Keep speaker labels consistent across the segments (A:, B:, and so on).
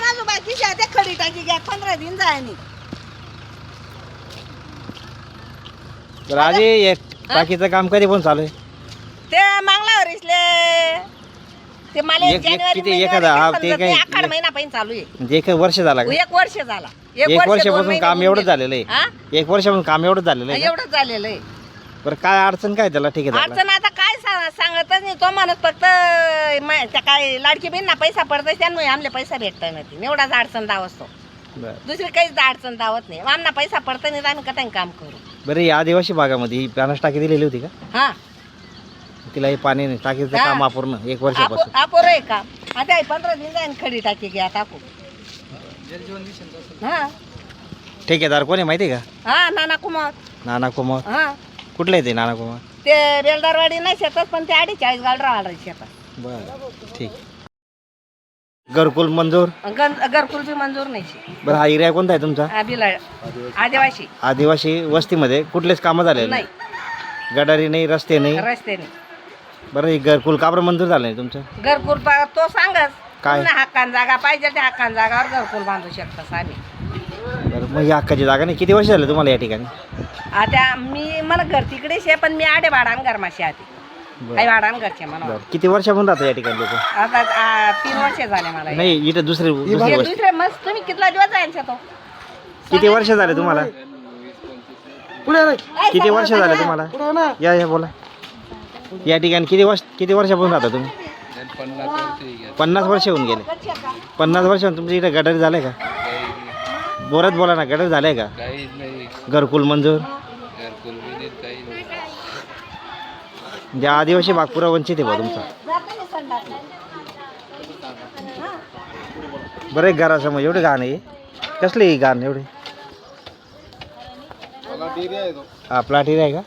A: अजून बाकीची आहे, ते खडी टाकी घ्या 15 दिन जायनी.
B: बरं आजी एक टाकीचं काम कधी पण चालू आहे?
A: ते मागल्यावर इसले ते मला
B: एक-
A: जानेवारी
B: किती-
A: महिन्यात
B: एखादा- हा,
A: समजत
B: ते
A: नाही,
B: काही-
A: आखाड महिना पहिला चालू आहे.
B: म्हणजे एक वर्ष झाला का?
A: 1 वर्ष झाला.
B: एक
A: वर्ष, 2
B: वर्षापासून
A: महिने
B: काम
A: होऊन
B: एवढं
A: गेले.
B: झालेलं आहे.
A: हा?
B: 1 वर्षापासून काम एवढं झालेलं आहे का?
A: एवढंच झालेलं आहे.
B: बरं काय अडचण काय त्याला? ठीक आहे
A: अडचण आता काय सांगतच नाही तो माणूस, फक्त त्या काय लाडकी बहीण पैसा पडतोय त्यामुळे आमले पैसा भेटत नाही, एवढाच अडचण दावतो.
B: बरं
A: दुसरी काहीच अडचण दावत नाही. आमना पैसा पडत नाही तर आम्ही कटाने काम करू.
B: बरं या आदिवासी भागामध्ये ही पाण्याची टाकी दिलेली होती का?
A: हा
B: तिला हे पाणी नाही, टाकीचं
A: हा.
B: काम अपूर्ण 1 वर्षापासून.
A: अपोर आहे का आता 15 दिन जाईन खडी टाकी घ्या टाकू. हा
B: ठेकेदार कोण आहे माहिती आहे का?
A: हा नाना कुमार.
B: नाना कुमार.
A: हा
B: कुठले आहे ते नाना कुमार?
A: ते बेलदारवाडी नाही शेतात, पण ते 48 गावडा शेतात.
B: बरं ठीक. घरकुल मंजूर.
A: घरकुल बी मंजूर नाही.
B: बरं हा एरिया कोणता आहे तुमचा?
A: बिलाड आदिवासी
B: आदिवासी वस्तीमध्ये कुठलेच कामं झाले
A: नाही,
B: गटारी नाही, रस्ते नाही.
A: रस्ते नाही.
B: बरं हे घरकुल का बरं मंजूर झालं नाही तुमचं?
A: घरकुल तो सांगच
B: काय?
A: पुन्हा हक्कान जागा पाहिजे, त्या हक्कान जागावर घरकुल बांधू शकतात आम्ही.
B: बरं मग ही हक्काची जागा नाही. किती वर्ष झाले तुम्हाला या ठिकाणी?
A: आता मला घर तिकडेच आहे, पण मी आडे भाडान घरमाशी आधी काही भाडान घरचे म्हणा.
B: बरं किती वर्षापासून राहतात या ठिकाणी लोक?
A: आता 3 वर्ष झाले मला.
B: नाही इथं दुसरी
A: हे
B: गोष्ट.
A: दुसरे मस्त तुम्ही कितला दिवस जायचा तो?
B: किती वर्ष झाले तुम्हाला? किती वर्ष झाले तुम्हाला? या बोला. या ठिकाणी किती वर्षापासून राहता तुम्ही? 50 वर्ष होऊन गेले. 50 वर्ष तुमच्या इथे गटारी झाले का? बोलत बोला ना, गटारी झाले का? घरकुल मंजूर. म्हणजे आदिवासी भाग पुरा वंचित आहे बा तुमचा. बरं एक घरासमोर एवढे घाण आहे. कसली घाण एवढी? हा प्लॉट एरिया आहे का?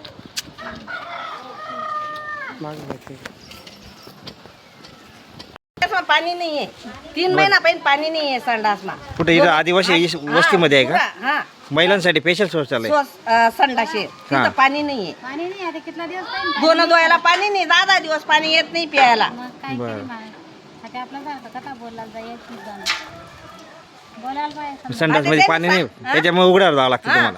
A: पाणी नाहीये, 3 महिना पहिला पाणी नाहीये संडासमा.
B: कुठे इथं आदिवासी वस्तीमध्ये आहे का?
A: हा
B: महिलांसाठी स्पेशल सोय चालू आहे.
A: संडाशे तिथं
B: हा.
A: पाणी नाहीये.
C: पाणी नाही आता कितना दिवस पाहिजे
A: दोन धुवायला पाणी नाही, 10 दिवस पाणी येत नाही प्यायला.
C: मग काय
B: बरं.
C: तरी आता आपलं सारखं कथा बोलायला जायचं जाणं बोलायला पाहिजे.
B: संडास मध्ये पाणी नाही, त्याच्यामुळे उघड्यावर जावं लागतं
A: हा.
B: तुम्हाला.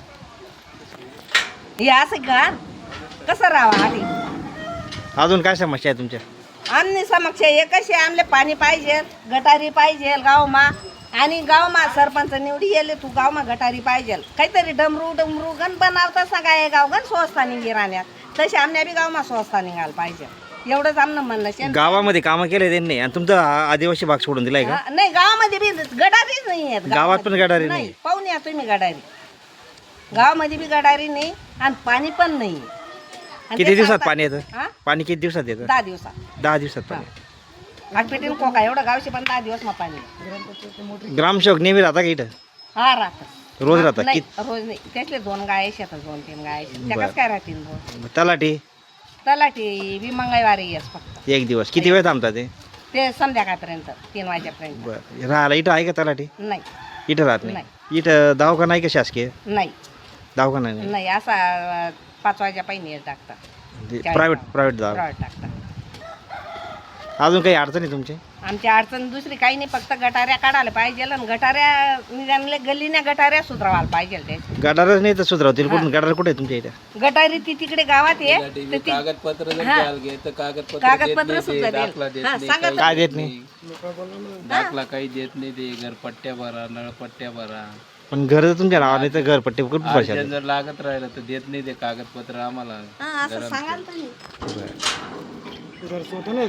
A: हे असं घर कसं राहावं आधी?
B: अजून काय समस्या आहे तुमच्या?
A: आमनी समक्ष एकच आहे, आमले पाणी पाहिजे, गटारी पाहिजे गावमा. आणि गावमा सरपंच निवडी येले तू गावमा गटारी पाहिजे, काहीतरी डमरू गण बनवता सगळा हे गाव गण स्वस्ता निघे राहण्यात. तसे आमच्या बी गावमा स्वस्ता निघायला पाहिजे, एवढंच आमनं म्हणणं शे.
B: गावामध्ये कामं केले त्यांनी आणि तुमचा आदिवासी भाग सोडून दिलाय का?
A: नाही गावामध्ये बी गटारीच नाही आहेत.
B: गावात पण गटारी नाही?
A: नाही. पाहून या तुम्ही गटारी, गावामध्ये बी गटारी नाही आणि पाणी पण नाही. आणि
B: किती
A: ते
B: दिवसात
A: सांगतात-
B: पाणी येतं?
A: हा?
B: पाणी किती दिवसात येतं?
A: 10 दिवसात.
B: 10 दिवसात पाणी.
A: आगपेटीन कोका एवढं गावशी पण 10 दिवस मग पाणी.
B: ग्रामसेवक नेहमी राहता का इथं?
A: हा राहतात.
B: रोज राहतात?
A: नाही रोज नाही, त्यातले 2 गाय शेतात, 2-3 गाय त्या
B: बरं.
A: कसं काय राहतील रोज?
B: तलाठी
A: तलाठी बी मंगळवारी येस फक्त.
B: 1 दिवस. किती वेळ थांबतात ते?
A: ते संध्याकाळपर्यंत 3 वाजेपर्यंत.
B: बरं राहायला इथं आहे का तलाठी?
A: नाही
B: इथं राहत नाही. इथं दवाखाना आहे का शासकीय?
A: नाही
B: दवाखाना नाही.
A: नाही, असा 5 वाजा पहिली टाकतात,
B: प्रायव्हेट दवाखाना.
A: प्रायव्हेट टाकतात.
B: अजून काही अडचणी तुमची?
A: आमची अडचण दुसरी काही नाही, फक्त गटाऱ्या काढायला पाहिजे आणि गटाऱ्या निघाले गल्लीने गटाऱ्या सुधारायला पाहिजे. त्याची
B: गटारच नाही तर सुधारवतील कुठून? गटार कुठे आहे तुमच्या इथं?
A: गटारी ती तिकडे गावात आहे, तर ती
D: कागदपत्र जर
A: हा.
D: द्यायला गेलं तर
A: कागदपत्र सुद्धा
D: दाखला
A: देईल.
D: देत
A: हा,
D: नाही,
A: सांगा
D: काही
B: काय देत नाही?
D: दाखला काही देत नाही. ते घरपट्ट्या भरा, नळपट्ट्या भरा.
B: पण घर जर तुमच्या नावाने तर घरपट्टी कुठून पैसे
D: अर्जंट जर लागत राहिलं तर देत नाही ते कागदपत्र आम्हाला.
A: हा, असं सांगाल तुम्ही.